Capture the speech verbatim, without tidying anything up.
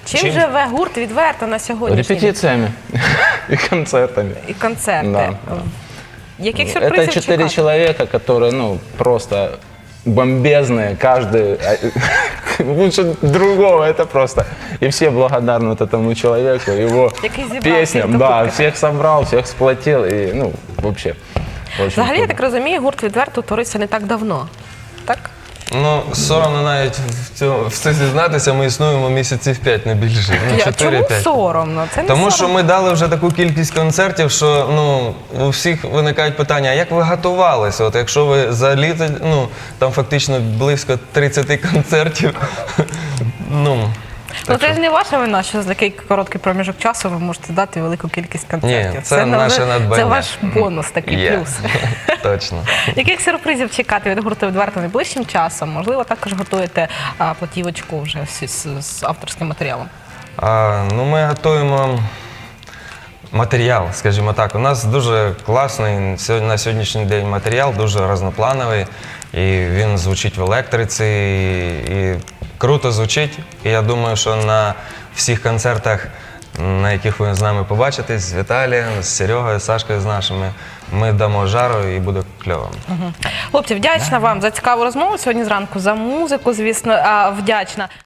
Чим, Чим? живе гурт «Відверто» на сьогоднішній день? Репетициями и концертами. І концерти. Да. Яких Это сюрпризів четыре чекати? человека, которые, ну, просто бомбезные, каждый лучше другого, это просто. И все благодарны вот этому человеку, его Який зібрав всіх песням, докупи, да, так? всех собрал, всех сплотил, и, ну, вообще. Очень Взагалі, я круто. так розумію, гурт «Відверто» творився не так давно. Так? Ну, соромно навіть в цьому в це зізнатися, ми існуємо місяців п'ять, не більше. Ну, Я- чотири Чому п'ять. соромно? Це не Тому що соромно. ми дали вже таку кількість концертів, що ну у всіх виникають питання, а як ви готувалися? От якщо ви за літо, ну там фактично близько тридцять концертів. ну Ну це ж не ваша вина, що за такий короткий проміжок часу ви можете дати велику кількість концертів. Ні, це наше не- надбання. Це ваш бонус, такий є. плюс. Точно. Яких сюрпризів чекати від гурту «Відверто» найближчим часом? Можливо, також готуєте а, платівочку вже з, з, з авторським матеріалом? А, ну, ми готуємо матеріал, скажімо так. У нас дуже класний сьогодні- на сьогоднішній день матеріал, дуже різноплановий. І він звучить в електриці, і, і круто звучить. І я думаю, що на всіх концертах, на яких ви з нами побачитесь, з Віталієм, з Серегою, з Сашкою, з нашими, ми дамо жару і буде кльово. Хлопці, вдячна вам за цікаву розмову сьогодні зранку, за музику, звісно, а, вдячна.